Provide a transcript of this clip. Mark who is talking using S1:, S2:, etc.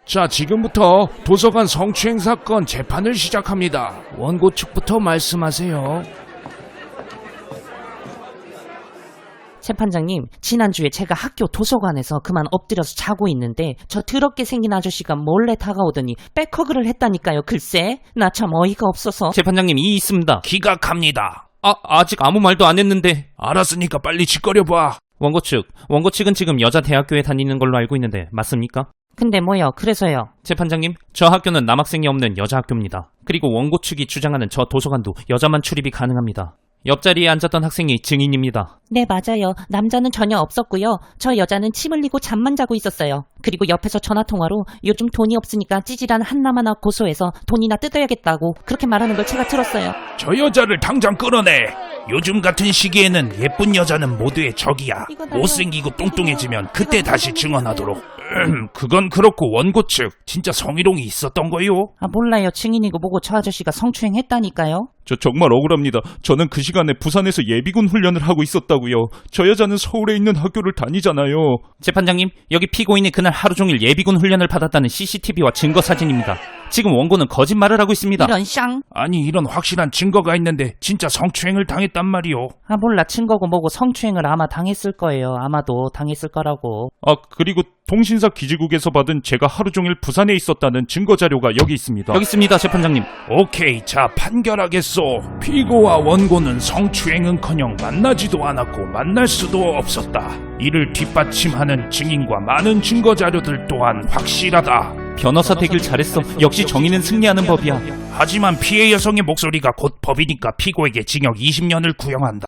S1: 자, 지금부터 도서관 성추행 사건 재판을 시작합니다. 원고 측부터 말씀하세요.
S2: 재판장님, 지난주에 제가 학교 도서관에서 그만 엎드려서 자고 있는데 저 더럽게 생긴 아저씨가 몰래 다가오더니 백허그를 했다니까요. 글쎄, 나 참 어이가 없어서.
S3: 재판장님, 이 있습니다.
S1: 기각합니다.
S3: 아직 아무 말도 안 했는데.
S1: 알았으니까 빨리 짓거려봐.
S3: 원고 측은 지금 여자 대학교에 다니는 걸로 알고 있는데 맞습니까?
S2: 근데 뭐요? 그래서요?
S3: 재판장님, 저 학교는 남학생이 없는 여자 학교입니다. 그리고 원고 측이 주장하는 저 도서관도 여자만 출입이 가능합니다. 옆자리에 앉았던 학생이 증인입니다.
S2: 네, 맞아요. 남자는 전혀 없었고요. 저 여자는 침 흘리고 잠만 자고 있었어요. 그리고 옆에서 전화통화로 요즘 돈이 없으니까 찌질한 한남 하나 고소해서 돈이나 뜯어야겠다고 그렇게 말하는 걸 제가 들었어요.
S1: 저 여자를 당장 끌어내. 요즘 같은 시기에는 예쁜 여자는 모두의 적이야. 못생기고 뚱뚱해지면 그때 다시 증언하도록. 그건 그렇고 원고 측 진짜 성희롱이 있었던 거요?
S2: 몰라요. 증인이고 뭐고 저 아저씨가 성추행했다니까요.
S4: 저 정말 억울합니다. 저는 그 시간에 부산에서 예비군 훈련을 하고 있었다고요. 저 여자는 서울에 있는 학교를 다니잖아요.
S3: 재판장님, 여기 피고인이 그날 하루 종일 예비군 훈련을 받았다는 CCTV와 증거 사진입니다. 지금 원고는 거짓말을 하고 있습니다.
S2: 이런 쌍.
S1: 아니, 이런 확실한 증거가 있는데 진짜 성추행을 당했단 말이오.
S2: 몰라. 증거고 뭐고 성추행을 아마 당했을 거예요. 아마도 당했을 거라고.
S4: 그리고 통신사 기지국에서 받은 제가 하루 종일 부산에 있었다는 증거 자료가 여기 있습니다.
S3: 여기 있습니다, 재판장님.
S1: 오케이, 자, 판결하겠소. 피고와 원고는 성추행은커녕 만나지도 않았고 만날 수도 없었다. 이를 뒷받침하는 증인과 많은 증거 자료들 또한 확실하다.
S3: 변호사 되길 잘했어. 역시 정의는 승리하는 법이야.
S1: 하지만 피해 여성의 목소리가 곧 법이니까 피고에게 징역 20년을 구형한다.